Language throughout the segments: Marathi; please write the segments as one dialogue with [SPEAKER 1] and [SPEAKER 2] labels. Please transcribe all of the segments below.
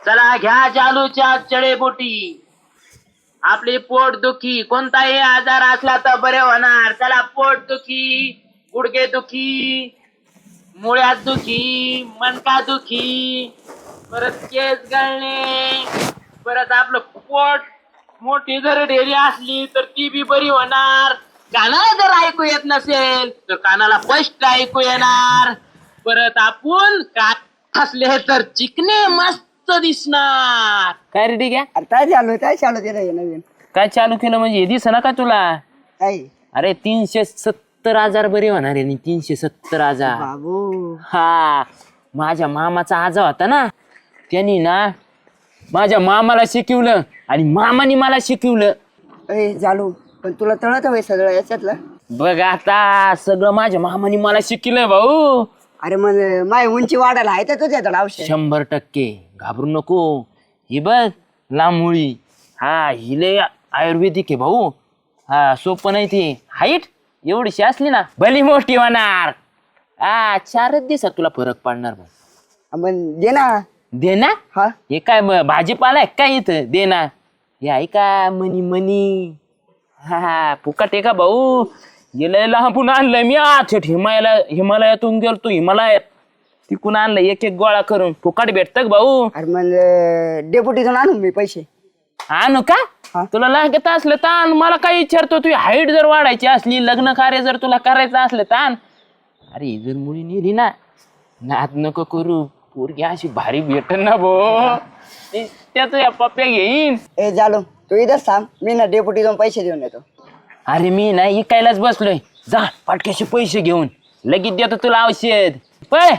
[SPEAKER 1] चला घ्या जालूच्या जडीबुटी. आपली पोटदुखी कोणताही आजार असला तर बरे होणार. चला पोटदुखी, गुडघेदुखी, मुळ्यात दुखी, मणका दुखी, परत केस गळणे, परत आपलं पोट मोठी जर ढेरी असली तर ती बी बरी होणार. कानाला जर ऐकू येत नसेल तर कानाला स्पष्ट ऐकू येणार. परत आपण कान असले तर चिकने मस्त दिसणार. काय रे ठीक आहे.
[SPEAKER 2] अरे काय चालू ते रे नवीन
[SPEAKER 1] काय चालू केलं म्हणजे दिसना का तुला?
[SPEAKER 2] काय
[SPEAKER 1] अरे 370,000 बरे होणार आहे. 370,000.
[SPEAKER 2] बाबू
[SPEAKER 1] हा माझ्या मामाचा आजा होता ना, त्यांनी ना माझ्या मामाला शिकवलं आणि मामाने मला शिकवलं.
[SPEAKER 2] ए चालू पण तुला तळत हवंय सगळं याच्यातलं.
[SPEAKER 1] बघ आता सगळं माझ्या मामाने मला शिकलंय भाऊ.
[SPEAKER 2] अरे मग माय उंची वाढायला आहे तर तुझ्याकडे औषध.
[SPEAKER 1] 100% घाबरू नको. ही बघ लांबमुळी, हा हिले आयुर्वेदिक आहे भाऊ. हा सोपं नाही ते. हाईट एवढीशी असली ना भली मोठी होणार. हा 4 दिवसात तुला फरक पडणार भाऊ.
[SPEAKER 2] मग दे ना.
[SPEAKER 1] दे ना.
[SPEAKER 2] हा
[SPEAKER 1] हे काय भाजीपाला आहे काय इथं? दे ना. हे आहे का मनी मनी? हा फुकट आहे का भाऊ? गेलं लहानपून आणलंय मी. हिमालयातून गेलतो हिमालयात, तिकून आणलं एक एक गोळा करून. फुकट भेटत भाऊ.
[SPEAKER 2] अरे मग डेपुटीतून आणू मी पैसे.
[SPEAKER 1] आणू का?
[SPEAKER 2] हा.
[SPEAKER 1] तुला लागत असलं तर आण. मला काय विचारतो? तुझी हाईट जर वाढायची असली, लग्न कार्य जर तुला करायचं असलं तर आण. अरे जर मुली नेली ना, नाद नको करू. पोरगी अशी भारी भेटन ना भाऊ, त्याच या पप्प्या घेईन.
[SPEAKER 2] ए जालू तू इथंच थांब, मी ना डेपुटीतून पैसे देऊन येतो.
[SPEAKER 1] अरे मी नाही इकायलाच बसलोय. जा पाटक्याशी पैसे घेऊन लगेच देतो तुला औषध. पळ.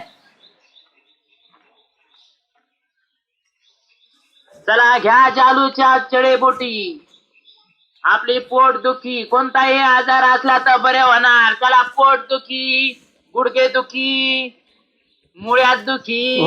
[SPEAKER 1] चला घ्या जालूच्या जडीबुटी. आपली पोटदुखी कोणताही आजार असला तर बरे होणार. चला पोटदुखी, गुडघेदुखी, मुळ्यात दुखी,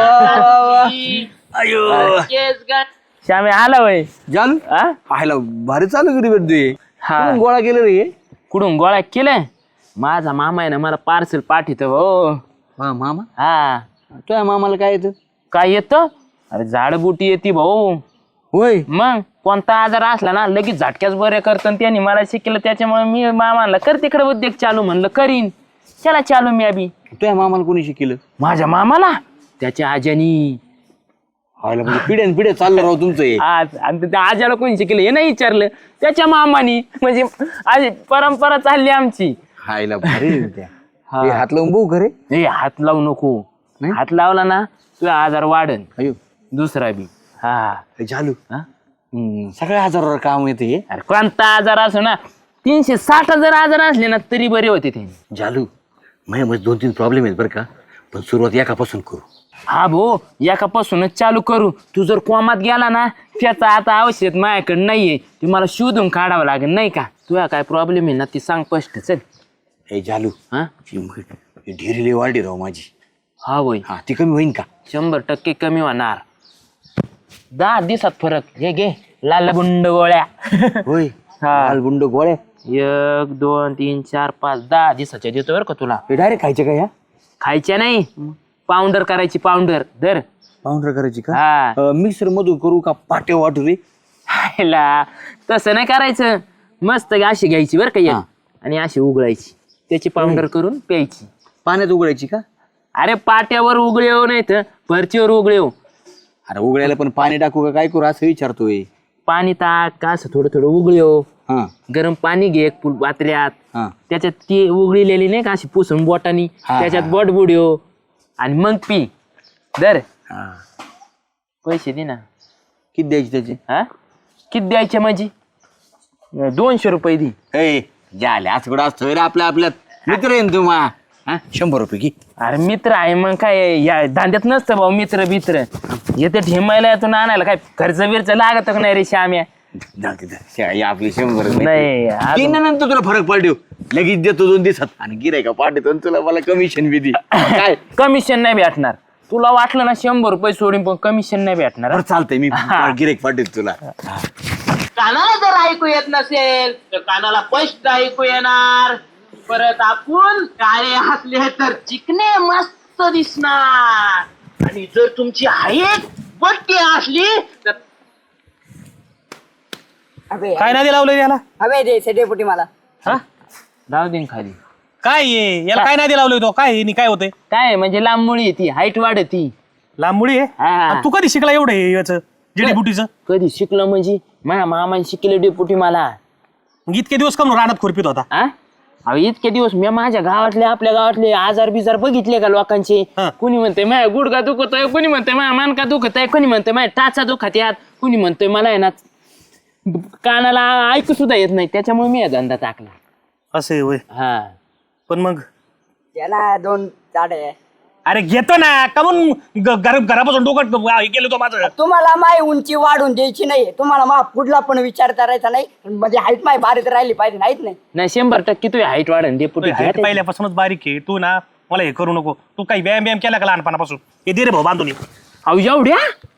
[SPEAKER 1] केस गळ. श्यामे आला वय
[SPEAKER 3] जालू पाहायला भारी चालू करी भेटतोय.
[SPEAKER 1] हा
[SPEAKER 3] गोळा केलं रे.
[SPEAKER 1] कुठून गोळा केलं? माझा मामा आहे ना, मला पार्सल पाठवतो भाऊ.
[SPEAKER 3] हा मामा.
[SPEAKER 1] हा
[SPEAKER 3] तुझ्या मामाला काय येतं?
[SPEAKER 1] काय येतं? अरे झाडबुटी येते भाऊ.
[SPEAKER 3] होय.
[SPEAKER 1] मग कोणता आजार असला ना लगेच झटक्याच बरे करतं. त्यांनी मला शिकलं, त्याच्यामुळे मी मामाला कर तिकडे उद्योग चालू म्हणलं करीन. चला चालू मी अभि.
[SPEAKER 3] तुझ्या मामाला कोणी शिकलं?
[SPEAKER 1] माझ्या मामाला त्याच्या आज्यानी.
[SPEAKER 3] व्हायला म्हणजे पिढ्यान पिढ्या चाललं राव तुमचं हे.
[SPEAKER 1] आज आणि त्या आज्याला कोणी शिकलं हे नाही विचारलं, त्याच्या मामानी. म्हणजे आज परंपरा चालली आमची.
[SPEAKER 3] खायला भारी आहे त्या. हे हात लावून बघू खरे.
[SPEAKER 1] ए हात लावू नको.
[SPEAKER 3] नाही?
[SPEAKER 1] हात लावला ना तुझा आजार वाढन.
[SPEAKER 3] अयो
[SPEAKER 1] दुसरा बी. हा
[SPEAKER 3] झालू.
[SPEAKER 1] हा?
[SPEAKER 3] सगळ्या आजारावर काम येते हे.
[SPEAKER 1] अरे कोणता आजार असो ना, 360 जर आजार असले ना तरी बरे होते ते.
[SPEAKER 3] झालू माझ्यामध्ये 2-3 प्रॉब्लेम आहेत बरं का, पण सुरुवात एकापासून करू.
[SPEAKER 1] हा भाऊ एकापासूनच चालू करू. तू जर कोमात गेला ना, त्याचा आता औषध माझ्याकडे नाहीये, ते मला शोधून काढावं लागेल नाही का. तुझा काय प्रॉब्लेम आहे ना ती सांग स्पष्ट. चल.
[SPEAKER 3] हे झालू
[SPEAKER 1] हा
[SPEAKER 3] ढेरीले वाढली राव माझी.
[SPEAKER 1] हा होय.
[SPEAKER 3] हा ती कमी होईन का?
[SPEAKER 1] 100% कमी होणार. 10 दिवसात फरक. हे घे लाल बुंड गोळ्या.
[SPEAKER 3] होय.
[SPEAKER 1] हा.
[SPEAKER 3] लाल बुंड गोळ्या
[SPEAKER 1] 1 2 3 4 5 10 दिवसाच्या देतो बरं का तुला.
[SPEAKER 3] हे डायरेक्ट खायचे का? या
[SPEAKER 1] खायच्या नाही, पावडर करायची. पावडर दर
[SPEAKER 3] पावडर करायची का?
[SPEAKER 1] हा.
[SPEAKER 3] मिक्सर मधून करू का पाटे वाटू रे?
[SPEAKER 1] हायला तसं नाही करायचं. मस्त अशी घ्यायची बरं का एक, आणि अशी उघडायची, त्याची पावडर करून प्यायची.
[SPEAKER 3] पाण्यात उघडायची का?
[SPEAKER 1] अरे पाट्यावर उघळे येऊ नाही तर फरचीवर उघळे येऊ.
[SPEAKER 3] अरे उघडायला पण पाणी टाकू का काय करू असं विचारतोय.
[SPEAKER 1] पाणी टाक का असं थोडं थोडं उघळे येऊ.
[SPEAKER 3] हा
[SPEAKER 1] गरम पाणी घे एक पात्र्यात,
[SPEAKER 3] हा
[SPEAKER 1] त्याच्यात ती उघळलेली नाही का अशी पुसून बोटानी,
[SPEAKER 3] हा,
[SPEAKER 1] त्याच्यात बोट बुडव आणि मग पी. दर
[SPEAKER 3] हा.
[SPEAKER 1] पैसे दे ना.
[SPEAKER 3] किती द्यायची त्याची?
[SPEAKER 1] हा किती द्यायचे माझी? 200 रुपये दे.
[SPEAKER 3] ए झाले आज कुठं असतोय रे आपल्यात मित्र येईन तुम्हा. 100 रुपये की.
[SPEAKER 1] अरे मित्र आहे मग काय या धांद्यात नसतं भाऊ. मित्र बित्र येते ठेमायला यातून आणायला काय खर्च बिर्च लागत का नाही रे श्याम्या?
[SPEAKER 3] आपली 100
[SPEAKER 1] नाही अजून.
[SPEAKER 3] नंतर तुला फरक पडतो. लगेच देतो 2 दिवसात आणि गिरायका पाठवतो तुला मला कमिशन बी दे. काय
[SPEAKER 1] कमिशन नाही भेटणार तुला. वाटलं ना 100 रुपये सोडून पण कमिशन नाही भेटणार.
[SPEAKER 3] चालतंय मी गिरायक पाठवतो तुला.
[SPEAKER 1] कानाला जर ऐकू येत नसेल तर कानाला स्पष्ट ऐकू येणार. परत आपण काळे हसले तर चिकने मस्त दिसणार. आणि जर तुमची हाईट बट्टी असली तर
[SPEAKER 2] अबे
[SPEAKER 4] काय नादी लावलंय याला
[SPEAKER 2] अबे द्यायचं डेपुटी मला.
[SPEAKER 4] हा
[SPEAKER 1] राहू दे खाली.
[SPEAKER 4] काय आहे? याला काय नादी लावलंय तो काय आहे? काय होतंय
[SPEAKER 1] काय म्हणजे लांब मुळी ती हाईट वाढती.
[SPEAKER 4] लांब मुळी आहे
[SPEAKER 1] हा.
[SPEAKER 4] आणि तू कधी शिकला एवढं हे याचं जडीबुटीचं?
[SPEAKER 1] कधी शिकलो म्हणजे माझ्या मामाने शिकले डेपुटी मला.
[SPEAKER 4] मग इतके दिवस कम रानात खुरपीत होता?
[SPEAKER 1] आ? अहो इतके दिवस मी माझ्या गावातले आपल्या गावातले आजार बिजार बघितले का लोकांचे.
[SPEAKER 4] हा.
[SPEAKER 1] कुणी म्हणते माझ्या गुडघा दुखतोय, कुणी म्हणते माझ्या मानका दुखत आहे, कुणी म्हणते माझ्या टाचा दुखत यात, कुणी म्हणतोय मला आहे ना कानाला ऐकू सुद्धा येत नाही. त्याच्यामुळे मी हा धंदा टाकला.
[SPEAKER 4] असं आहे होय.
[SPEAKER 1] हा
[SPEAKER 4] पण मग
[SPEAKER 2] याला 2 झाडे.
[SPEAKER 4] अरे घेतो ना का म्हणून घरापासून डोकं हे केलं तो माझं.
[SPEAKER 2] तुम्हाला माय उंची वाढून द्यायची नाही. तुम्हाला मा पुढला पण विचार करायचा नाही. म्हणजे हाईट माय भारीत राहिली पाहिजे नाहीत नाही.
[SPEAKER 1] नाही 100% तुझी हाईट वाढन डेपुटी.
[SPEAKER 4] हाईट पहिल्यापासूनच बारीक आहे तू ना. मला हे करू नको. तू काही व्यायाम केला का लहानपणापासून? हे दे रे भाऊ बांधून ये.
[SPEAKER 1] अहो एवढ्या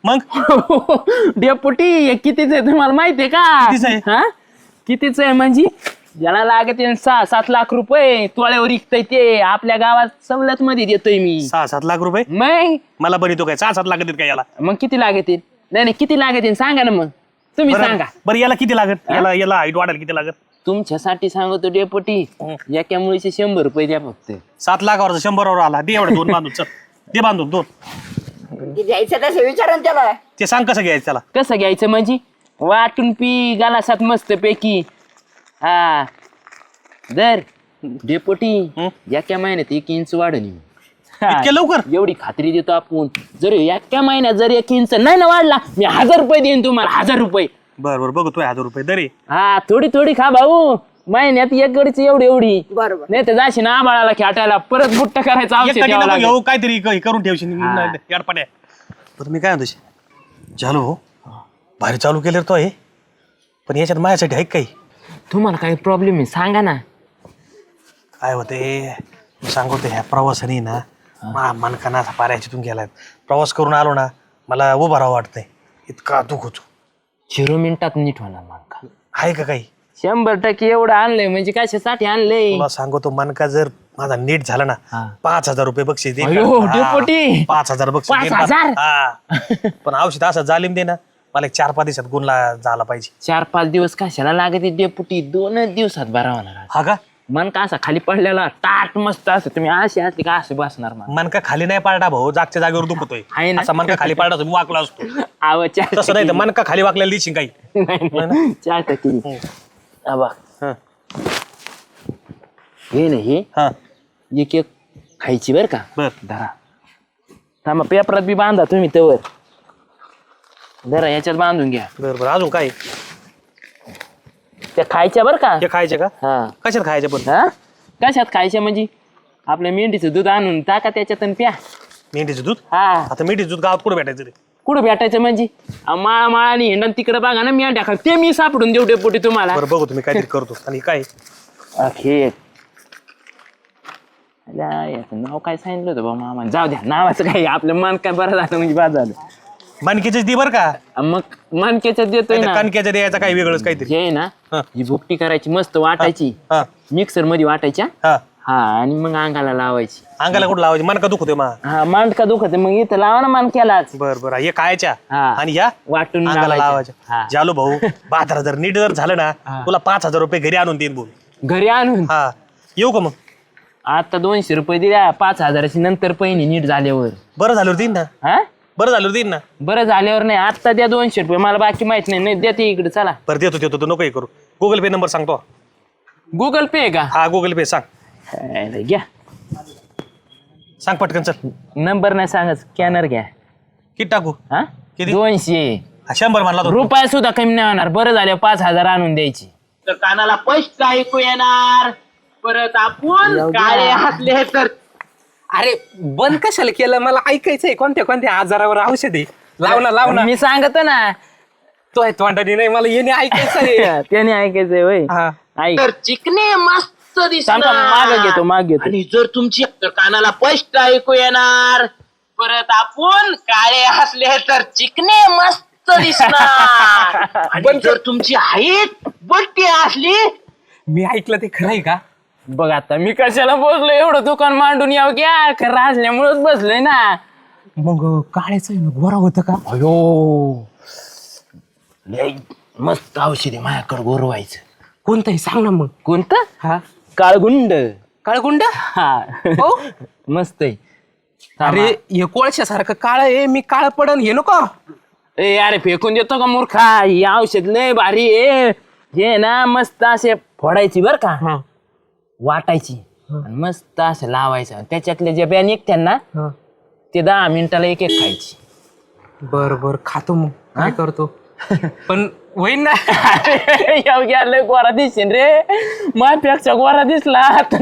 [SPEAKER 4] मग
[SPEAKER 1] डेपुटी हे कितीच आहे तुम्हाला माहितीये का?
[SPEAKER 4] कितीचं आहे?
[SPEAKER 1] हा कितीच आहे म्हणजे ज्याला लागते 6-7 लाख रुपये तोळ्यावर विकतय ते आपल्या गावात सवलत मध्ये देतोय मी.
[SPEAKER 4] 6-7 लाख रुपये
[SPEAKER 1] मग
[SPEAKER 4] मला बनितो काय? 6-7 लाख देत काय याला?
[SPEAKER 1] मग किती लागतील? नाही किती लागतील सांगा ना मग तुम्ही सांगा.
[SPEAKER 4] बरं याला किती लागत? याला हाईट वाढायला किती लागत?
[SPEAKER 1] तुमच्यासाठी सांगतो डेपुटी एका मुलीचे 100 रुपये द्या फक्त.
[SPEAKER 4] 7 लाखावर 100वर आला. दे एवढं 2 बांधून. चल दे बांधून 2.
[SPEAKER 2] ते द्यायचं तसं विचारा ना त्याला.
[SPEAKER 4] ते सांग कसं घ्यायचं त्याला.
[SPEAKER 1] कसं घ्यायचं म्हणजे वाटून पी गालासात मस्त पैकी. हा दर डेपुटी एका महिन्यात 1 इंच वाढणी.
[SPEAKER 4] इतक्या लवकर?
[SPEAKER 1] एवढी खात्री देतो आपण. जर एका महिन्यात जर 1 इंच नाही ना वाढला मी 1000 रुपये देईन तुम्हाला. 1000 रुपये.
[SPEAKER 4] बरं बघू तू 1000 रुपये दरे.
[SPEAKER 1] हा थोडी थोडी खा भाऊ. महिन्यात 1 गडीची एवढी
[SPEAKER 2] बरोबर.
[SPEAKER 1] नाही तर जाशी ना आबाळाला खेटायला परत बुट्ट करायचं औषध
[SPEAKER 4] एक
[SPEAKER 1] द्यावं लागेल.
[SPEAKER 4] घेऊ काहीतरी हे करून ठेवशील
[SPEAKER 1] हा.
[SPEAKER 4] याडपाड्या. पण मी काय म्हणतो झालो हो भारी चालू केलं रे तो हे. पण याच्यात माझ्यासाठी आहे काही?
[SPEAKER 1] तुम्हाला काही प्रॉब्लेम आहे सांगा ना.
[SPEAKER 4] काय होते मी सांगतो ह्या प्रवासाने ना मनकाना असा पाऱ्याच्यातून गेलाय. प्रवास करून आलो ना मला उभा राहावं वाटतंय. इतका दुख होतो.
[SPEAKER 1] 0 मिनिटात नीट होणार मग.
[SPEAKER 4] आहे का काही?
[SPEAKER 1] 100% एवढं आणलंय म्हणजे कशासाठी आणलंय?
[SPEAKER 4] तुला सांगतो मनका जर माझा नीट झाला ना 5,000 रुपये बक्षीस दे.
[SPEAKER 1] अयो, डेपुटी.
[SPEAKER 4] 5,000 बक्षीस दे.
[SPEAKER 1] 5,000?
[SPEAKER 4] हा. पण औषध असं जालीम दे ना मला 4-5 दिवसात गुणला झाला पाहिजे.
[SPEAKER 1] 4-5 दिवस कशाला लागते डेपुटी? 2 दिवसात बरा होणार.
[SPEAKER 4] हा का?
[SPEAKER 1] मन का असा खाली पडलेला टाट मस्त असं तुम्ही असे असले का असे बसणार मग.
[SPEAKER 4] मनका खाली नाही पाडा भाऊ. जागच्या जागेवर दुखतोय.
[SPEAKER 1] आहे ना?
[SPEAKER 4] असा मनका खाली पाडा मी वाकला असतो. तसं नाही तर मनका खाली वाकलेला दिसशील काही.
[SPEAKER 1] 4%. आबा
[SPEAKER 4] हा.
[SPEAKER 1] हे नाही
[SPEAKER 4] हा
[SPEAKER 1] एक खायची बर का.
[SPEAKER 4] बर
[SPEAKER 1] धरा थांबा पेपरात बी बांधा तुम्ही तवर. धरा याच्यात बांधून घ्या.
[SPEAKER 4] बर बर अजून काय?
[SPEAKER 1] त्या खायच्या बर का.
[SPEAKER 4] हे खायचे का?
[SPEAKER 1] हा
[SPEAKER 4] कशात खायचे पण?
[SPEAKER 1] हा कशात खायच्या म्हणजे आपल्या मेंढीचं दूध आणून टाका त्याच्यात आणि प्या.
[SPEAKER 4] मेंढीचं दूध?
[SPEAKER 1] हा
[SPEAKER 4] आता मेंढीचं दूध गावात कुठे भेटायचं रे?
[SPEAKER 1] कुठं भेटायचं म्हणजे माळा माळानी हिंडण तिकडे बघा ना मेंढ्या खा ते मी सापडून देऊ डेपुटी तुम्हाला.
[SPEAKER 4] बरं बघू तुम्ही काहीतरी करतो. आणि काय
[SPEAKER 1] अखेर याचं नाव काय सांगितलं होतं बा मामा? जाऊ द्या नावाचं काय आपलं मन काय बरं झालं म्हणजे बाद झालं.
[SPEAKER 4] मनकेचंच दे बरं का?
[SPEAKER 1] मग मनकेचं देतोय ना.
[SPEAKER 4] कणक्याचं द्यायचं काही वेगळंच काहीतरी.
[SPEAKER 1] जे आहे ना
[SPEAKER 4] हा.
[SPEAKER 1] ही भुकटी करायची मस्त वाटायची
[SPEAKER 4] हा
[SPEAKER 1] मिक्सर मध्ये वाटायच्या.
[SPEAKER 4] हा
[SPEAKER 1] हा आणि मग अंगाला लावायची.
[SPEAKER 4] अंगाला कुठं लावायची? मनका दुखतोय मा.
[SPEAKER 1] हा मांडका दुखत मग इथं लावा ना मानक्यालाच.
[SPEAKER 4] बर बर हे खायच्या
[SPEAKER 1] हा.
[SPEAKER 4] आणि या
[SPEAKER 1] वाटून
[SPEAKER 4] अंगाला
[SPEAKER 1] लावायच्या. हा.
[SPEAKER 4] लावायच्या. जालो भाऊ बाजार जर नीट जर झालं ना तुला 5,000 रुपये घरी आणून देईन बोल.
[SPEAKER 1] घरी आणून
[SPEAKER 4] हा येऊ का मग?
[SPEAKER 1] आता 200 रुपये दिल्या 5,000ची नंतर पहिली नीट झाल्यावर.
[SPEAKER 4] बरं झालं देईन ना.
[SPEAKER 1] हा
[SPEAKER 4] बरं झालं देईन ना.
[SPEAKER 1] बरं झाल्यावर नाही आता द्या 200 रुपये मला बाकी माहित नाही. नाही देते इकडे चला.
[SPEAKER 4] बरं देतो देतो तू नको हे करू. गुगल पे नंबर सांगतो.
[SPEAKER 1] गुगल पे का?
[SPEAKER 4] हा गुगल पे सांग.
[SPEAKER 1] हाय, घ्या
[SPEAKER 4] सांग पटकन चल.
[SPEAKER 1] नंबर नाही सांगत स्कॅनर घ्या.
[SPEAKER 4] किती टाकू?
[SPEAKER 1] हा
[SPEAKER 4] किती?
[SPEAKER 1] 200
[SPEAKER 4] 100 म्हणला तो.
[SPEAKER 1] रुपया सुद्धा कमी नाही होणार. बरं झालं 5,000 आणून द्यायची.
[SPEAKER 5] तर कानाला स्पष्ट ऐकू येणार. परत आपण काळे हसले तर
[SPEAKER 6] अरे बंद कशाला केलं? मला ऐकायचंय कोणत्या कोणत्या आजारावर औषध आहे. लाव ना लाव ना.
[SPEAKER 1] मी सांगतो ना.
[SPEAKER 6] तो आहे तोंडाने नाही मला येणे ऐकायचंय.
[SPEAKER 1] त्याने ऐकायचंय होय.
[SPEAKER 6] हा.
[SPEAKER 1] ऐक
[SPEAKER 5] तर चिकने मस्त
[SPEAKER 1] थांब,
[SPEAKER 5] दिसणार.
[SPEAKER 1] माग घेतो
[SPEAKER 5] आणि जर तुमची तर कानाला स्पष्ट ऐकू येणार. परत आपण काळे हसले तर चिकने मस्त दिसणार. आणि जर तुमची हाईट बट्टी असली
[SPEAKER 6] मी ऐकलं ते खरंय का?
[SPEAKER 1] बघ आता मी कशाला बसलो एवढं दुकान मांडून यावं घ्या खरं असल्यामुळेच बसलोय ना.
[SPEAKER 6] मग काळ्याचं आहे ना गोरा होतं का?
[SPEAKER 5] अयो लय मस्त औषध आहे माझ्याकडे गोरवायचं.
[SPEAKER 6] कोणतंही सांग ना मग.
[SPEAKER 5] कोणतं?
[SPEAKER 6] हा
[SPEAKER 5] काळगुंड.
[SPEAKER 6] काळगुंड.
[SPEAKER 5] हा
[SPEAKER 6] हो
[SPEAKER 5] मस्त आहे.
[SPEAKER 6] अरे हे कोळशासारखं काळ आहे, मी काळ पडन हे नको.
[SPEAKER 5] ए अरे फेकून देतो का मूर्खा? ही औषध लय भारी आहे. हे ना मस्त असे फोडायची बर का,
[SPEAKER 6] हा
[SPEAKER 5] वाटायची आणि मस्त असं लावायचं. त्याच्यातले जे बिया निघत्या ना
[SPEAKER 6] हा.
[SPEAKER 5] ते 10 मिनिटाला एक एक खायची.
[SPEAKER 6] बर बर खातो मग. काय करतो पण होईन ना.
[SPEAKER 5] लय गोरा दिसेन रे, माझ्यापेक्षा गोरा दिसला.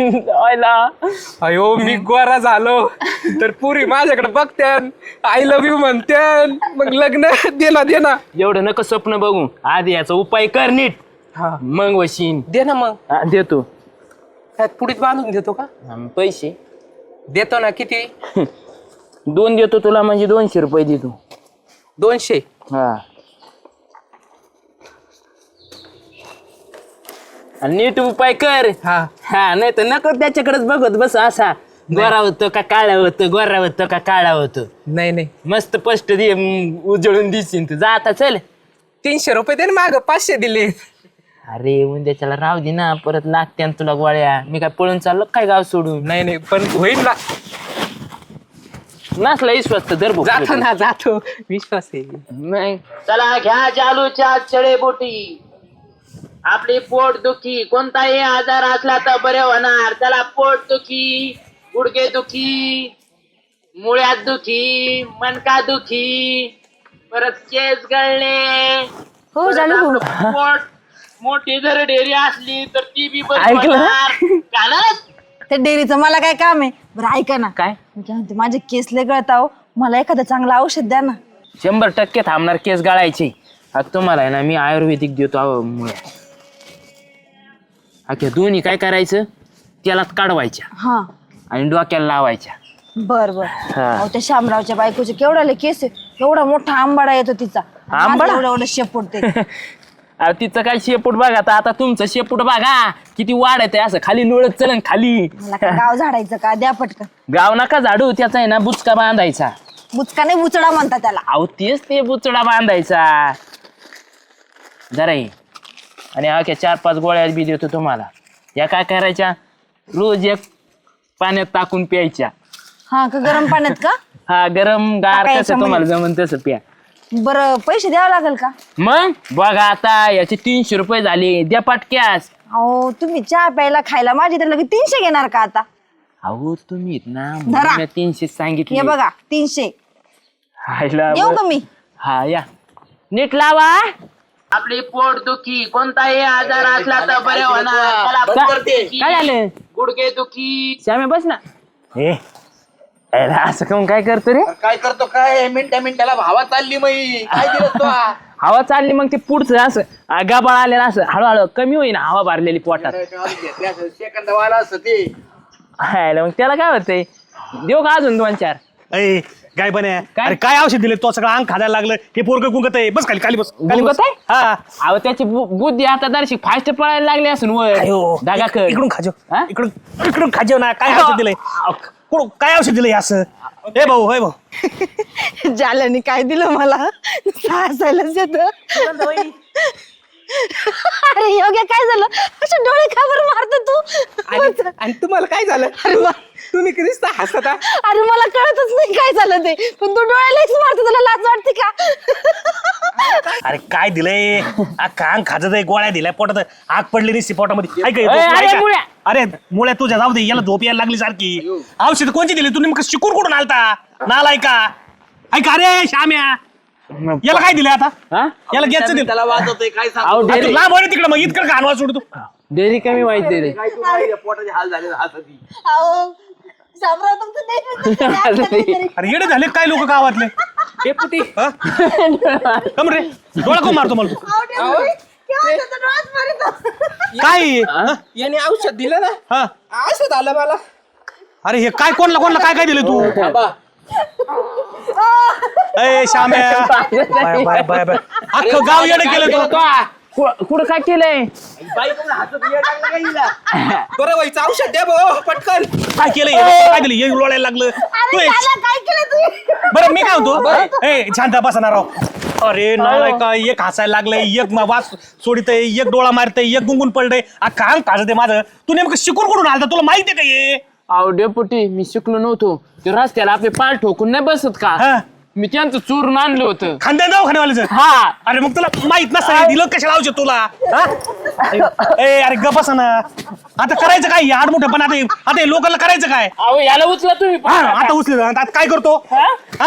[SPEAKER 6] अयो मी गोरा झालो तर पुरी माझ्याकडे बघत्यान, आय लव्ह यू म्हणत्यान, मग लग्न दे ना.
[SPEAKER 5] एवढं नका स्वप्न बघू, आधी याचा उपाय कर नीट,
[SPEAKER 6] हा
[SPEAKER 5] मग वशीन.
[SPEAKER 6] दे ना मग.
[SPEAKER 5] देतो.
[SPEAKER 6] त्यात पुढीत बांधून देतो का?
[SPEAKER 5] पैसे
[SPEAKER 6] देतो ना. किती?
[SPEAKER 5] 2 देतो तुला, म्हणजे 200 रुपये देतो.
[SPEAKER 6] 200.
[SPEAKER 5] हा आणि नीट उपाय कर.
[SPEAKER 6] हा
[SPEAKER 5] हा नाही तर नको त्याच्याकडेच बघत बस. असा गोरा होतं का काळा होतं, गोरा होतं का काळा होतं.
[SPEAKER 6] नाही नाही
[SPEAKER 5] मस्त स्पष्ट दे, उजळून दिसीन तू. जा आता चल.
[SPEAKER 6] 300 रुपये दे ना, माग 500 दिले.
[SPEAKER 5] अरे उद्याच्याला राहू दे ना, परत लागत्या ना तुला गोळ्या. मी काय पळून चाललो काय गाव सोडून?
[SPEAKER 6] नाही नाही पण होईल ना.
[SPEAKER 5] नसला विश्वास तर दर
[SPEAKER 6] जातो ना, जातो, विश्वास आहे.
[SPEAKER 5] नाही. चला घ्या जालूच्या चळेबुटी. आपली पोट दुखी कोणताही आजार असला तर बरे होणार. चला पोट दुखी, गुडघे दुखी, मुळ्यात दुखी, मणका दुखी, परत केस गळणे.
[SPEAKER 7] हो
[SPEAKER 5] परत
[SPEAKER 7] झालं
[SPEAKER 5] आपलं
[SPEAKER 7] हो.
[SPEAKER 5] पोट मोठी जर डेअरी असली तर ती बी बरी
[SPEAKER 7] ऐकलं?
[SPEAKER 5] होणार. कानात?
[SPEAKER 7] त्या डेअरीचं मला काय काम आहे? बरं ऐका ना,
[SPEAKER 5] काय?
[SPEAKER 7] मी काय म्हणते, माझे केस लय गळता हो, मला एखादं चांगलं औषध द्या ना.
[SPEAKER 5] 100% थांबणार केस गाळायचे. आता तुम्हाला आहे ना मी आयुर्वेदिक देतो मुळे. अख्या दोन्ही काय करायचं, त्याला काढवायच्या
[SPEAKER 7] हा
[SPEAKER 5] आणि डोक्याला लावायच्या.
[SPEAKER 7] बर बर.
[SPEAKER 5] हा.
[SPEAKER 7] अहो, त्या शामरावच्या बायकोचे केवढाले केस आहे, एवढा मोठा आंबाडा येतो तिचा.
[SPEAKER 5] आंबाडा?
[SPEAKER 7] एवढं एवढं शेपूट ते.
[SPEAKER 5] अरे तिचं काय शेपूट बघा, आता तुमचं शेपूट बघा किती वाढत आहे. असं खाली लोळत चलन खाली.
[SPEAKER 7] मला काय गाव झाडायचं का? द्या पटकन.
[SPEAKER 5] गाव नका झाडू, त्याचा आहे ना बुचका बांधायचा.
[SPEAKER 7] बुचका नाही, बुचडा म्हणता त्याला.
[SPEAKER 5] अहो तेच ते बुचडा बांधायचा. जरा ये. आणि अख्या 4-5 गोळ्या बी देतो तुम्हाला. या काय करायच्या, रोज एक पाण्यात टाकून प्यायच्या.
[SPEAKER 7] हा का? गरम पाण्यात का?
[SPEAKER 5] हा गरम गार
[SPEAKER 7] टाकायच्या
[SPEAKER 5] कसं तुम्हाला जमन तसं प्या.
[SPEAKER 7] बरं पैसे द्यावं लागेल का?
[SPEAKER 5] मग बघा आता याचे 300 रुपये झाले, द्या पटक्यास.
[SPEAKER 7] अहो तुम्ही चहा प्यायला खायला माझी तर लगे 300 घेणार का आता?
[SPEAKER 5] अहो तुम्ही ना
[SPEAKER 7] धरा.
[SPEAKER 5] मी 300 सांगितले.
[SPEAKER 7] हे बघा 300.
[SPEAKER 5] हायला
[SPEAKER 7] येऊ का मी?
[SPEAKER 5] हा या. नीट लावा. आपली पोट दुखी कोणताही आजार असला तर बरे होणार. काय झालं? गुडघे दुखी. श्यामे बस ना. हे अरे असं काऊन काय करतो रे?
[SPEAKER 3] काय करतो काय, मिनिटाला भावा चालली मई काय दिलं तो
[SPEAKER 5] हवा चालली मग ते पुढचं असं गाबाळ आलेलं असं हळूहळू कमी होईना हवा भरलेली पोटात.
[SPEAKER 3] सेकंदवाला असं ते.
[SPEAKER 5] हायला मग त्याला काय होतंय, देऊ का अजून 2-4?
[SPEAKER 4] अय काय बने,
[SPEAKER 5] काय?
[SPEAKER 4] अरे काय औषध दिले तो? सगळं अंग खायला लागलं. हे पोरग गुंगत आहे. बस खाली, खाली बस, खाली बस.
[SPEAKER 5] गुंगत आहे?
[SPEAKER 4] हा
[SPEAKER 5] अहो त्याची बुद्धी आता दर्शी फास्ट पळायला लागली असून
[SPEAKER 4] अयो,
[SPEAKER 5] वर दागा कर.
[SPEAKER 4] इकडून खाजो,
[SPEAKER 5] हा?
[SPEAKER 4] इकडून खाजो ना. काय औषध दिलंय? काय औषध दिलंय असं? हे भाऊ, हे भाऊ,
[SPEAKER 7] जाल्याने काय दिलं मला? हसायलाच येतं. अरे योग्य काय झालं? असे डोळे का बरं मारतो तू?
[SPEAKER 6] आणि तुम्हाला काय झालं? तुम्ही कधीच हसता.
[SPEAKER 7] अरे मला कळतच नाही काय झालं ते, पण तू डोळ्यालाच मारतो, तुला लाज वाटते का?
[SPEAKER 4] अरे काय दिलंय? अंग खाजत आहे, गोळ्या दिल्या पोटात, आग पडली नाही पोटामध्ये. ऐक,
[SPEAKER 5] अरे मुळ्या.
[SPEAKER 4] अरे मुळ्या तुझ्या जाऊ दे, याला झोप यायला लागली सारखी. औषध कोणची दिली तुम्ही? मग शिकून कुठून आलता नालाय का? ऐक अरे श्याम्या, याला काय दिलं आता?
[SPEAKER 5] हा?
[SPEAKER 4] याला घ्यायचं दिलं.
[SPEAKER 3] त्याला वाजवतोय काय सांग.
[SPEAKER 5] अहो
[SPEAKER 4] अरे तू
[SPEAKER 5] डेअरी
[SPEAKER 4] लांब आहे तिकडे, मग इतकं घाणवा सोडतो.
[SPEAKER 5] डेअरी कमी माहिती रे.
[SPEAKER 3] काय तुम्हाला पोटाचे हाल झाले असं ती.
[SPEAKER 7] अहो, शामराव तुमचं नेहमीच
[SPEAKER 4] अरे येडे झाले काय लोक गावातले?
[SPEAKER 6] डेपुटी
[SPEAKER 4] हा? कम रे, डोळा कोण मारतो मला तू? काय हा?
[SPEAKER 6] याने औषध दिलं ना,
[SPEAKER 4] हा?
[SPEAKER 6] असं झालं मला.
[SPEAKER 4] अरे हे काय, कोणला कोणला काय काय दिलं तू?
[SPEAKER 3] थांबा.
[SPEAKER 4] ए श्याम्या, बाय बाय बाय बाय. अख्खं गाव येडे केलं तू.
[SPEAKER 1] कुठं काय केलंय?
[SPEAKER 4] बरं व्हायचं औषध द्या भाऊ पटकन. काय केलं काय केलं येईल लोळायला लागलं तू
[SPEAKER 7] अरे दादा, काय केलं तू?
[SPEAKER 4] बरं मी काय म्हणतो ए शांत बसणार राव. अरे नाही का एक हसायला लागलंय एक वास सोडितय एक डोळा मारतय एक गुंगून पडलंय काम काढत आहे माझं. तू नेमकं शिकून कुठून आलता तुला माहिती आहे का हे?
[SPEAKER 1] अहो डेपुटी मी शिकलो नव्हतो. ते रस्त्याला आपले पाय ठोकून नाही बसत का?
[SPEAKER 4] हा.
[SPEAKER 1] मी त्यांचं चोरून आणलं होतं.
[SPEAKER 4] खांद्या दवाखान्यावाल्याचं.
[SPEAKER 1] हा.
[SPEAKER 4] अरे मग तुला माहित नसतं दिलं कशाला औषध तुला हा? ए अरे गप बसा ना. आता करायचं काय आड मोठं पण आता हे लोकांना करायचं काय?
[SPEAKER 1] अहो याला उचला तुम्ही.
[SPEAKER 4] हा, आता उचल आता काय करतो हा?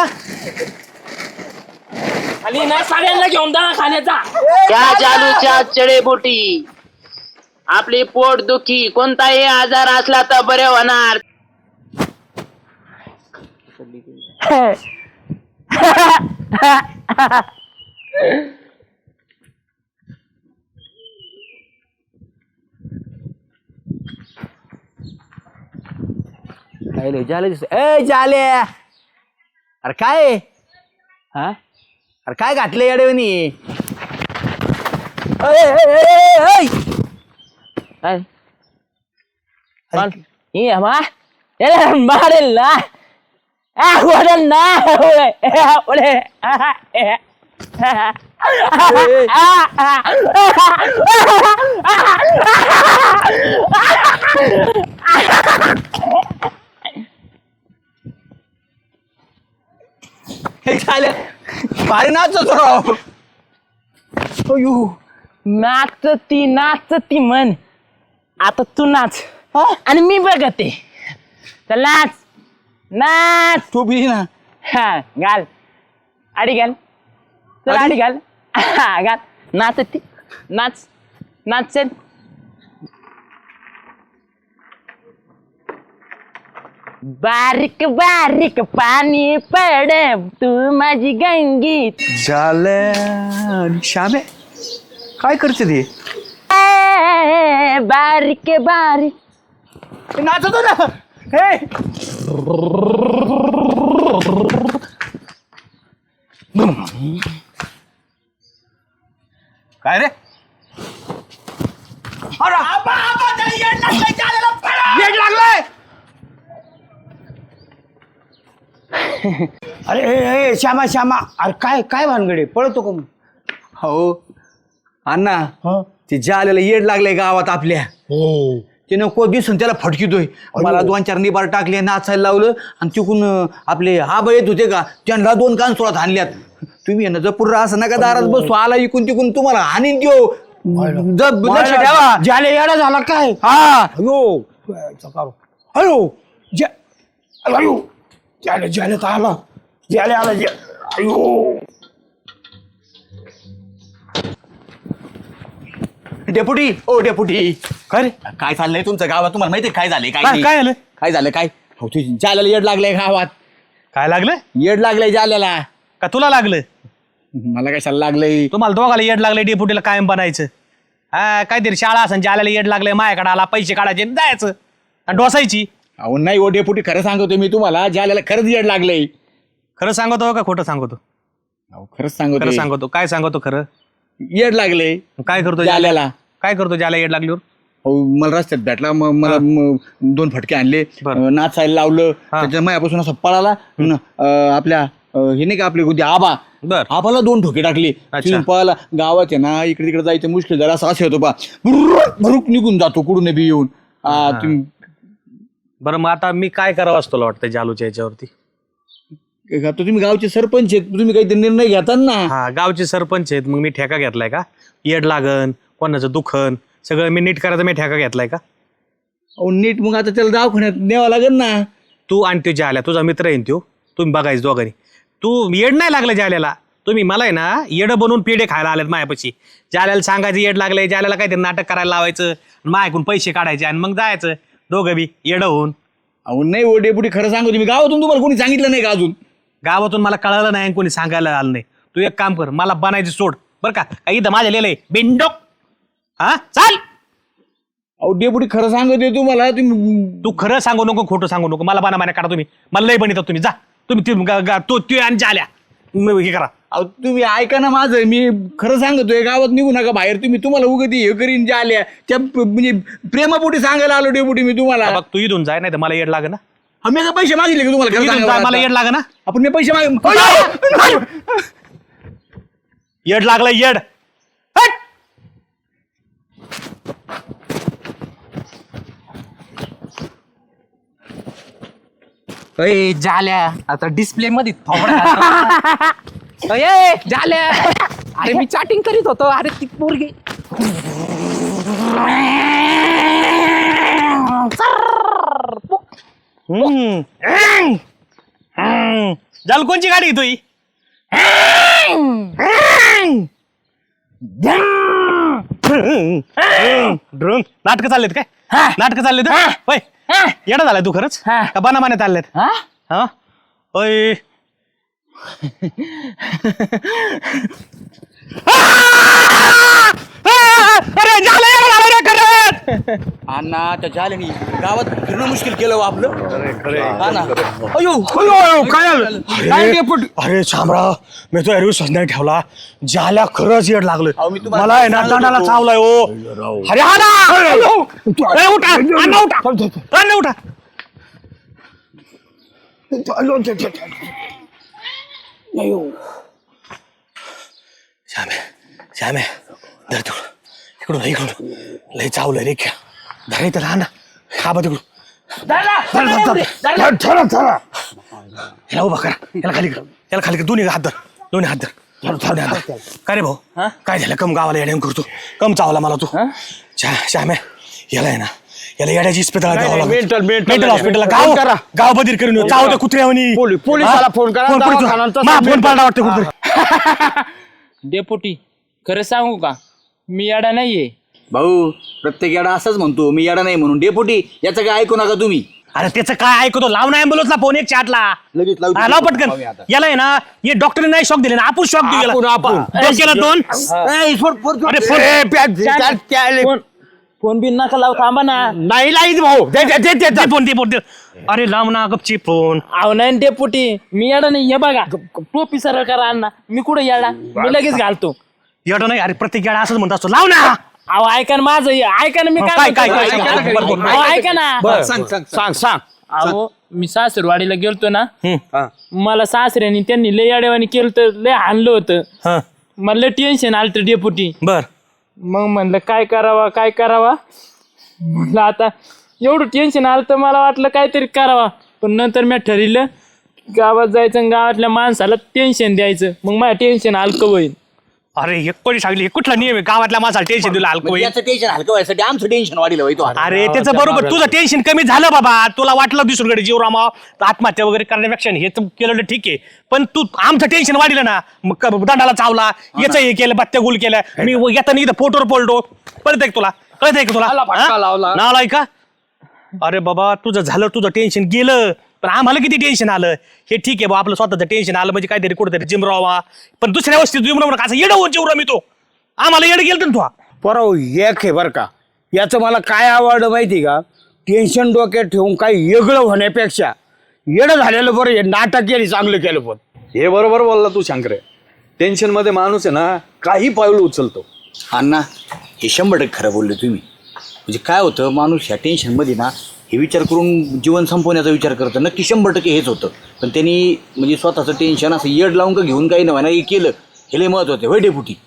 [SPEAKER 1] आणि ना सगळ्यांना घेऊन दवाखान्याचा. त्या जालूच्या चळेबुटी आपली पोट दुखी कोणताही आजार असला तर बरे होणार.
[SPEAKER 3] जाले अरे काय हा अरे काय घातलं येडवणी
[SPEAKER 1] मारेल ना वडेल ना
[SPEAKER 3] भारी नाचतो राव.
[SPEAKER 1] नाचती म्हण. आता तू नाच आणि मी बघते. चल नाच नाच.
[SPEAKER 3] तू बी ना
[SPEAKER 1] हा घाल आडी घाल. चल आडी घाल. हा घाल. नाचती नाच नाच चल. बारीक बारीक पाणी पड तू माझी गंगीत.
[SPEAKER 3] झालं श्यामे काय करते ते
[SPEAKER 1] बारीक बारीक
[SPEAKER 3] नाचतो ना हे काय रे येड लागलाय.
[SPEAKER 2] अरे श्यामा श्यामा, अरे काय काय भानगडे पळतो का मग?
[SPEAKER 3] हो अण्णा ते जालेला येड लागलंय गावात आपल्या. ते नको दिसून त्याला फटकितोय. मला 2-4 निबार टाकले नाचायला लावलं आणि तिकून आपले आबा येत होते का त्यांना 2 कानसोळात हाणल्यात. तुम्ही ना जपूर असं नका दारात बसू. आला इकून तिकून तुम्हाला हानीन देऊ. लक्ष ठेवा.
[SPEAKER 2] जाले येडा झाला काय?
[SPEAKER 3] हा
[SPEAKER 2] अयो अयो अयो जाले जाले तर आला. जाले आला अयो.
[SPEAKER 3] डेपुटी ओ डेपुटी काय काय चाललंय तुमचं गावात? तुम्हाला माहिती काय झालंय? काय
[SPEAKER 4] काय झालं
[SPEAKER 3] काय झालं काय? हो तू जाल्याला येड लागलंय गावात.
[SPEAKER 4] काय लागलं
[SPEAKER 3] येड लागलंय जाल्याला.
[SPEAKER 4] का तुला लागलं?
[SPEAKER 3] मला कशाला लागलंय?
[SPEAKER 4] तुम्हाला दोघाला येड लागलंय डेपुटीला कायम बनायचं. हा काहीतरी शाळा असं ज्याला येड लागलंय माझ्याकडे आला पैसे काढायचे आणि जायचं आणि डोसायची.
[SPEAKER 3] अहो नाही ओ डेपुटी खरं सांगतो मी तुम्हाला जाल्याला खरंच येड लागलंय.
[SPEAKER 4] खरं सांगतो का खोटं सांगतो?
[SPEAKER 3] अहो खरंच सांगतो.
[SPEAKER 4] खरं सांगतो. काय सांगतो खरं?
[SPEAKER 3] येड लागलंय.
[SPEAKER 4] काय करतो
[SPEAKER 3] जाल्याला?
[SPEAKER 4] काय करतो ज्याला येड लागल्यावर?
[SPEAKER 3] हो मला रस्त्यात भेटला मला 2 फटके आणले. नाचायला लावलं. त्याच्या मायापासून असं पळाला. आपल्या हे नाही का आपले उद्या आबा आबाला 2 ठोके टाकले. पळाला. गावात आहे ना इकडे तिकडे जायचं मुश्किल जरा असं होतो बा. भरूक निघून जातो कुठून बी येऊन.
[SPEAKER 4] बरं मग आता मी काय करावं असं तुला वाटतं जालूच्या याच्यावरती?
[SPEAKER 3] तुम्ही गावचे सरपंच आहेत. तुम्ही काहीतरी निर्णय घेता ना.
[SPEAKER 4] हा गावचे सरपंच आहेत. मग मी ठेका घेतलाय का? येड लागन कोणाचं दुखन सगळं मी नीट करायचं मी ठेका घेतलाय का?
[SPEAKER 3] अहो नीट मग आता त्याला दवाखान्यात न्यावं लागेल ना.
[SPEAKER 4] तू आणि ते जाल्या तुझा मित्र आहे तो. तुम्ही बघायचं दोघांनी. तू येड नाही लागलं जाल्याला. तुम्ही मला आहे ना येड बनवून पेढे खायला आलेत मायापाशी. जाल्याला सांगायचं येड लागलंय. जाल्याला काहीतरी नाटक करायला लावायचं मायाकून पैसे काढायचे आणि मग जायचं दोघं बी येड होऊन.
[SPEAKER 3] अहो नाही ओ डेपुटी खरं सांगू तुम्ही गावातून तुम्हाला कोणी सांगितलं नाही का अजून?
[SPEAKER 4] गावातून मला कळलं नाही कोणी सांगायला आलं नाही. तू एक काम कर मला बनायची सोड बरं का. इथं माझ्या लिहिलंय बिंडोक. हा चाल.
[SPEAKER 3] अहो डेपुटी खरं सांगतोय तुम्हाला. तुम्ही
[SPEAKER 4] तू खरं सांगू नको खोटं सांगू नको. मला बाना काढा तुम्ही. मला लय बनितात तुम्ही. जा तुम्ही आणि जाल्या हे करा.
[SPEAKER 3] अहो तुम्ही ऐका ना माझं, मी खरं सांगतोय, गावात निघू नका बाहेर तुम्ही. तुम्हाला उगती हे करीन ज्या आल्या त्या म्हणजे प्रेमापोटी सांगायला आलो डेपुटी मी तुम्हाला.
[SPEAKER 4] बघ तू इथून जाय नाही तर मला येड लागे ना.
[SPEAKER 3] आम्ही का पैसे मागितले का तुम्हाला? खरं
[SPEAKER 4] इथून
[SPEAKER 3] सांगा
[SPEAKER 4] जाय
[SPEAKER 3] बरं
[SPEAKER 4] मला
[SPEAKER 3] आता.
[SPEAKER 4] येड लागे ना.
[SPEAKER 3] आपण मी पैसे
[SPEAKER 4] येड लागलं येड. हट!
[SPEAKER 6] अय झाल्या आता डिस्प्ले मध्ये थोडा अय झाल्या. अरे मी चॅटिंग करीत होतो. अरे ती पोरगी
[SPEAKER 4] झाल कोणची गाडी आहे तुही? नाटक चाललेत काय? नाटक चाललेत होय? येडा झालाय तू खरंच का बनामाने चाललेत? हा होय. अरे झालं येडा झालं रे खरंच.
[SPEAKER 3] अण्णा त्या झाल्याने गावात फिरणं मुश्किल केलं हो आपलं. हा ना.
[SPEAKER 4] अयो अयो काय झालं? काय डेपुटी? अरे शामराव मी तो विश्वास नाही ठेवला. ज्याला खरंच येड लागलं मला आहे ना दंडाला चावलाय हो. अरे हा ना. अरे उठा अण्णा उठा अण्णा उठा. श्यामे श्यामे धर तिकडून इकडून लय चावलंय रे क्या. धर इथं राहा ना. खाबा तिकडून याला उभा करा. याला खाली कर. याला खाली कर. दोन्ही हात धर. दोन्ही हात धर. काय रे भाऊ काय झालं? कम गावाला येड्या करतो. कम चावला मला तू. श्याम्या याला आहे ना याला येड्याची इस्पितळा द्यावं लागेल. मेंटल हॉस्पिटलला गाव बदीर करून चाव त्या कुत्र्यावनी. पोलिसाला फोन करा. फोन पाडला वाटतं कुठे.
[SPEAKER 5] डेपुटी खरं सांगू का, मी येडा नाहीये.
[SPEAKER 3] भाऊ प्रत्येक याडा असंच म्हणतो, मी याडा नाही म्हणून. डेपुटी याचं काय ऐकू नका तुम्ही.
[SPEAKER 4] अरे त्याचं काय ऐकतो? लाव ना ॲम्ब्युलन्सला फोन एक चाटला.
[SPEAKER 3] लगेच लावतो.
[SPEAKER 4] लाव पटकन. याला आहे ना हे डॉक्टरने नाही शॉक दिले ना आपण शॉक देऊ याला. डोक्याला दोन. अरे
[SPEAKER 5] फोन बिन नका लावू, थांबा ना.
[SPEAKER 4] नाही लाईत भाऊ. दे फोन दे. अरे लाव ना गपची फोन.
[SPEAKER 5] अहो नाही डेपुटी मी येडा नाही. हे बघा टोपी सरळ करा अण्णा. मी कुठं येडा? मी लगेच घालतो.
[SPEAKER 4] एवढं नाही. अरे प्रत्येक याडा असंच म्हणत असतो. लाव ना.
[SPEAKER 5] अहो ऐका ना माझं. ऐका ना मी
[SPEAKER 4] काय
[SPEAKER 5] म्हणतो.
[SPEAKER 4] बरोबर.
[SPEAKER 5] अहो, ऐका ना.
[SPEAKER 6] सांग.
[SPEAKER 5] अहो मी सासरवाडीला गेलतो ना, मला सासऱ्याने त्यांनी लय अडवाणी केलं तर लय हाणलं होतं. मला लय टेन्शन आलं होतं डेपुटी.
[SPEAKER 4] बर
[SPEAKER 5] मग म्हणलं काय करावा. म्हणलं आता एवढं टेन्शन आलं तर मला वाटलं काहीतरी करावा. पण नंतर मी ठरवलं गावात जायचं आणि गावातल्या माणसाला टेन्शन द्यायचं. मग माझ्या टेन्शन हलकं होईल.
[SPEAKER 4] अरे हे कोणी सांगली? हे कुठला नियम आहे? गावातल्या माणसाला टेन्शन दिलं हलकं.
[SPEAKER 3] याचं टेन्शन हलकं व्हायसाठी आमचं टेन्शन वाढलं होय तो.
[SPEAKER 4] अरे त्याचं बरोबर. तुझं टेन्शन कमी झालं बाबा. तुला वाटलं दुसरीकडे जीव रामाव आत्महत्या वगैरे करण्यापेक्षा हे तर केलं ठीक आहे. पण तू आमचं टेन्शन वाढलं ना. मग दंडाला चावला. याचं हे केलं. बत्त्या गुल केलं. मी येताना इथं फोटोवर पडलो. कळतंय का तुला? कळतंय का तुला? नालाय का? अरे बाबा तुझं झालं. तुझं टेन्शन गेलं. पण आम्हाला किती टेन्शन आलं. हे ठीक आहे बा आपलं स्वतःचं टेन्शन आलं म्हणजे काहीतरी कुठेतरी जिमरावा. पण दुसऱ्या वस्ती जिमराव असं येडं होऊन जिमरा मी तो. आम्हाला येडं गेलं तू.
[SPEAKER 8] परव एक आहे बरं का. याचं मला काय आवडलं माहिती का? टेन्शन डोक्यात ठेवून काही वेगळं होण्यापेक्षा येडं झालेलं बरं. हे नाटक केली चांगलं केलं. पण
[SPEAKER 9] हे बरोबर बोलला तू शंकरे. टेन्शन मध्ये माणूस आहे ना काही पाऊल उचलतो.
[SPEAKER 3] अण्णा हे 100% खरं बोलले तुम्ही. म्हणजे काय होतं, माणूस ह्या टेन्शनमध्ये ना हे विचार करून जीवन संपवण्याचा विचार करतं. नक्की 100% हेच होतं. पण त्यांनी म्हणजे स्वतःचं टेन्शन असं येड लावून का घेऊन काही नव्हे ना हे केलं. हे लय महत्वाचं होय डेपुटी.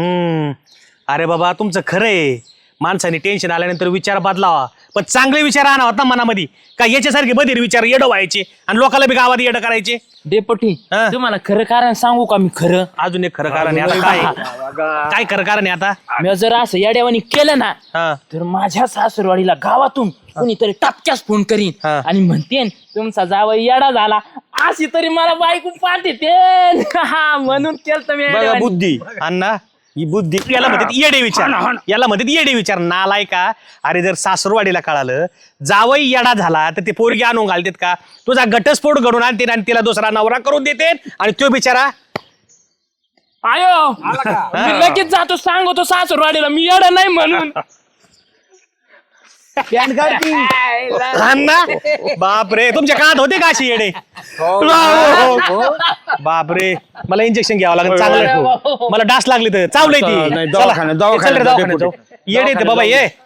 [SPEAKER 4] अरे बाबा तुमचं खरं आहे. माणसाने टेन्शन आल्यानंतर विचार बदलावा. पण चांगले विचार आणा होता मनामध्ये. का याच्यासारखे बधीर विचार येडं व्हायचे आणि लोकांना बी गावात येडं करायचे.
[SPEAKER 5] डेपुटी तुम्हाला खरं कारण सांगू का? मी खरं
[SPEAKER 4] अजून एक खरं कारण आहे. आता काय खरं कारण आहे आता?
[SPEAKER 5] मी जर असं येड्यावानी केलं ना
[SPEAKER 4] हा.
[SPEAKER 5] तर माझ्या सासरवाडीला गावातून कुणीतरी टपक्यास फोन करीन आणि म्हणतेन तुमचा जावई येडा झाला. अशी तरी मला बायको पाठवते. म्हणून केलं मी येड्यावानी.
[SPEAKER 8] बुद्धी
[SPEAKER 4] अण्णा ही बुद्धी याला म्हणतात येडे विचार. याला म्हणतात येडे विचार. नालाय का? अरे जर सासरवाडीला कळालं जावई येडा झाला तर ते पोरगी आणून घालतात का? तुझा घटस्फोट घडून आणते आणि तिला दुसरा नवरा करून देते आणि तो बिचारा
[SPEAKER 5] आयो मी लगेच जातो सांगतो सासरवाडीला मी येडा नाही म्हणून.
[SPEAKER 3] पॅन काढ
[SPEAKER 4] अण्णा बापरे तुमच्या काळात होते का अशी येडे बापरे मला इंजेक्शन घ्यावं लागेल चांगलं मला डास लागली तर चावलंय ती
[SPEAKER 8] नाही,
[SPEAKER 4] चला.
[SPEAKER 8] दवाखान्यात
[SPEAKER 4] चल रे,
[SPEAKER 8] जाऊ.
[SPEAKER 4] दवाखान्यात जाऊ. येडे ते बाबा ये